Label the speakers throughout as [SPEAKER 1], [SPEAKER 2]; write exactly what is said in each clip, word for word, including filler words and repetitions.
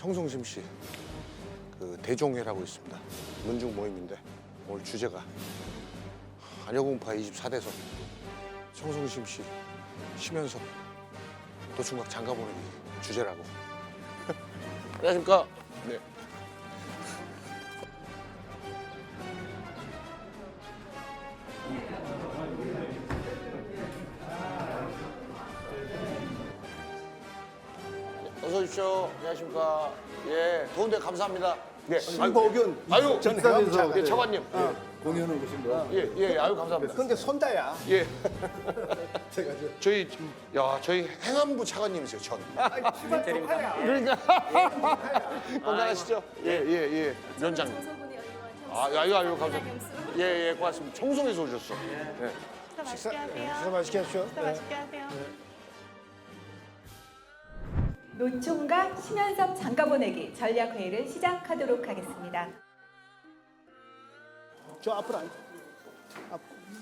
[SPEAKER 1] 청송심시 그 대종회라고 있습니다. 문중 모임인데 오늘 주제가 안여공파 이십사 대선 청송심시 심연섭 노총각 장가보내기 주제라고. 안녕하십니까? 네. 어서 오십시오. 안녕하십니까? 예, 더운데 감사합니다. 예,
[SPEAKER 2] 신보균
[SPEAKER 1] 아유,
[SPEAKER 2] 전
[SPEAKER 1] 감사합니다.
[SPEAKER 2] 회장님
[SPEAKER 1] 예, 차관님.
[SPEAKER 2] 어, 공연을 오신 거.
[SPEAKER 1] 예, 예, 아유 감사합니다.
[SPEAKER 2] 근데 손자야.
[SPEAKER 1] 예,
[SPEAKER 2] 제가 저
[SPEAKER 1] 저희 야, 저희 행안부 차관님이세요, 전.
[SPEAKER 2] 시발 조카야.
[SPEAKER 1] 그러니까 건강하시죠? 예, 예, 예. 위원장님. 아, 아유, 아유, 감사합니다. 예, 예, 고맙습니다. 청송에서 오셨어. 예.
[SPEAKER 3] 식사 맛있게 하세요.
[SPEAKER 2] 식사 맛있게 하십시오.
[SPEAKER 3] 식사 맛있게 하세요.
[SPEAKER 4] 노총각 심연섭 장가보내기 전략회의를 시작하도록 하겠습니다.
[SPEAKER 2] 저 앞으로 앉. 앞.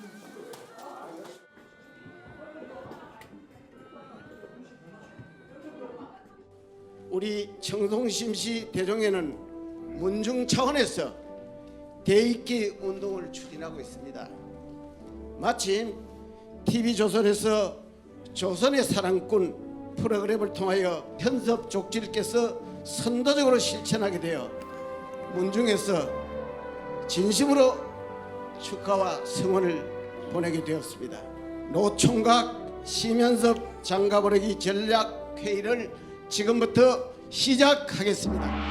[SPEAKER 5] 우리 청송심시 대종회는 문중 차원에서 대입기 운동을 추진하고 있습니다. 마침 티비조선에서 조선의 사랑꾼 프로그램을 통하여 현섭 족질께서 선도적으로 실천하게 되어 문중에서 진심으로 축하와 성원을 보내게 되었습니다. 노총각 심연섭 장가보내기 전략회의를 지금부터 시작하겠습니다.